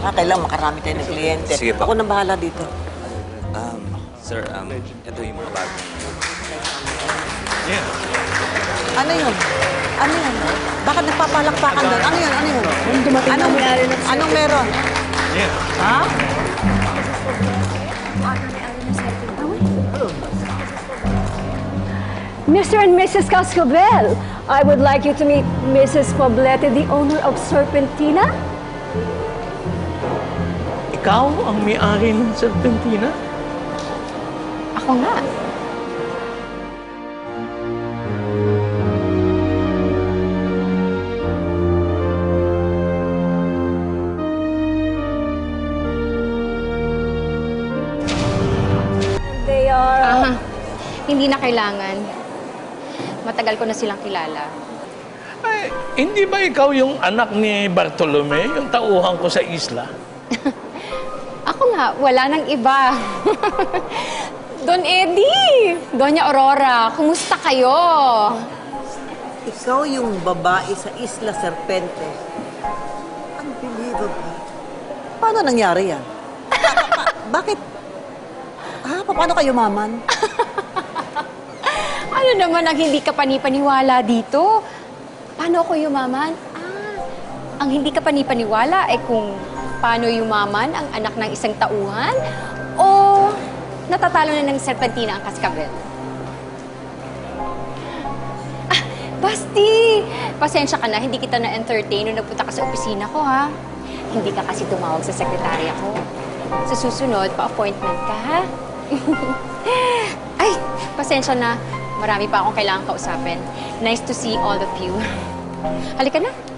Tsaka kailangan makarami tayo ng kliyente. Sige po. Ako nang bahala dito. Sir, ito yung mga bago. Ano yun? Ano yun? Bakit nagpapalakpakan doon? Ano yun? Ano yun? Anong meron? Ha? Mr. and Mrs. Cascabel, I would like you to meet Mrs. Poblete, the owner of Serpentina. Ikaw ang may-ari ng Serpentina? Ako nga. They are... Hindi na kailangan. Matagal ko na silang kilala. Ay, hindi ba ikaw yung anak ni Bartolome, yung tauhan ko sa isla? Ako nga, wala nang iba. Don Eddie! Doña Aurora, kumusta kayo? Ikaw yung babae sa Isla Serpente. Unbelievable. Paano nangyari yan? Bakit? Paano kayo maman? Ano naman ang hindi ka panipaniwala dito? Paano ako yumaman? Ang hindi ka panipaniwala ay kung paano yumaman ang anak ng isang tauhan o natatalo na ng Serpentina ang Cascabel. Basti! Pasensya ka na, hindi kita na-entertain nung nagpunta ka sa opisina ko, ha? Hindi ka kasi tumawag sa sekretarya ko. Sa susunod, pa-appointment ka, ha? Ay, pasensya na. Marami pa akong kailangang kausapin. Nice to see all of you. Halika na.